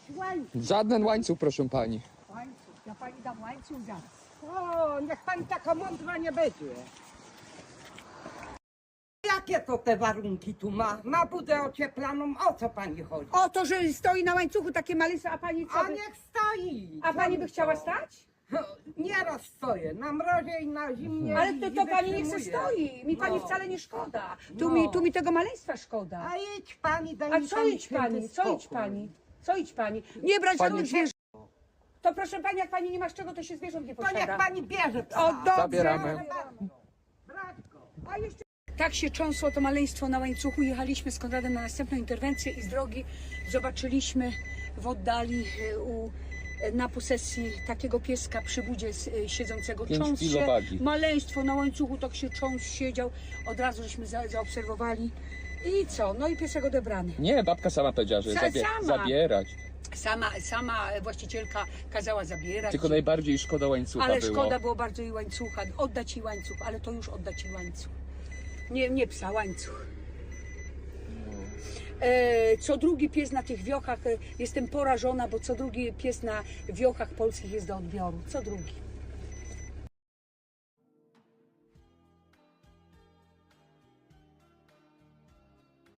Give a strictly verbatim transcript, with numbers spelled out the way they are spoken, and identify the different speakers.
Speaker 1: łańcuch.
Speaker 2: Żaden łańcuch, proszę pani.
Speaker 1: Łańcuch, ja pani dam łańcuch zaraz. O, niech pani taka mądra nie będzie. Jakie to te warunki tu ma? Ma budę ocieplaną, o co pani chodzi?
Speaker 3: O to, że stoi na łańcuchu takie malysy, a pani co
Speaker 1: A
Speaker 3: by...
Speaker 1: niech stoi!
Speaker 3: A pani by
Speaker 1: Co
Speaker 3: chciała
Speaker 1: to?
Speaker 3: stać?
Speaker 1: Nieraz stoję, na mrozie i na zimnie.
Speaker 3: Ale
Speaker 1: i-
Speaker 3: to,
Speaker 1: i
Speaker 3: to pani niech se
Speaker 1: wytrzymuję.
Speaker 3: stoi. Mi pani
Speaker 1: No.
Speaker 3: wcale nie szkoda. Tu,
Speaker 1: No.
Speaker 3: mi, tu mi tego maleństwa szkoda.
Speaker 1: A idź pani, daj
Speaker 3: A
Speaker 1: mi
Speaker 3: co
Speaker 1: pani
Speaker 3: idź
Speaker 1: święty
Speaker 3: pani? Co idź
Speaker 1: spokój.
Speaker 3: pani? Co idź pani? Nie brać
Speaker 2: Pani-
Speaker 3: żadnych zwierząt. To proszę pani, jak pani nie ma z czego, to się zwierząt nie
Speaker 1: To niech
Speaker 3: posiada.
Speaker 1: pani bierze psa.
Speaker 3: O, dobrze.
Speaker 2: Zabieramy.
Speaker 1: Brać go.
Speaker 3: A jeszcze... Tak się cząsło to maleństwo na łańcuchu. Jechaliśmy z Konradem na następną interwencję i z drogi zobaczyliśmy w oddali e, u, e, na posesji takiego pieska przy budzie s- e, siedzącego.
Speaker 2: Pięć
Speaker 3: Cząs
Speaker 2: kilo
Speaker 3: się,
Speaker 2: wagi.
Speaker 3: maleństwo na łańcuchu, tak się cząs siedział. Od razu żeśmy za, zaobserwowali. I co? No i piesek odebrany.
Speaker 2: Nie, babka sama powiedziała, że
Speaker 3: Sa-
Speaker 2: zabie
Speaker 3: sama.
Speaker 2: zabierać.
Speaker 3: Sama, sama właścicielka kazała zabierać.
Speaker 2: Tylko najbardziej szkoda łańcucha
Speaker 3: Ale
Speaker 2: było.
Speaker 3: szkoda było bardzo jej łańcucha. Oddać jej łańcuch, ale to już oddać jej łańcuch. Nie, nie psa, łańcuch. E, co drugi pies na tych wiochach, e, jestem porażona, bo co drugi pies na wiochach polskich jest do odbioru. Co drugi.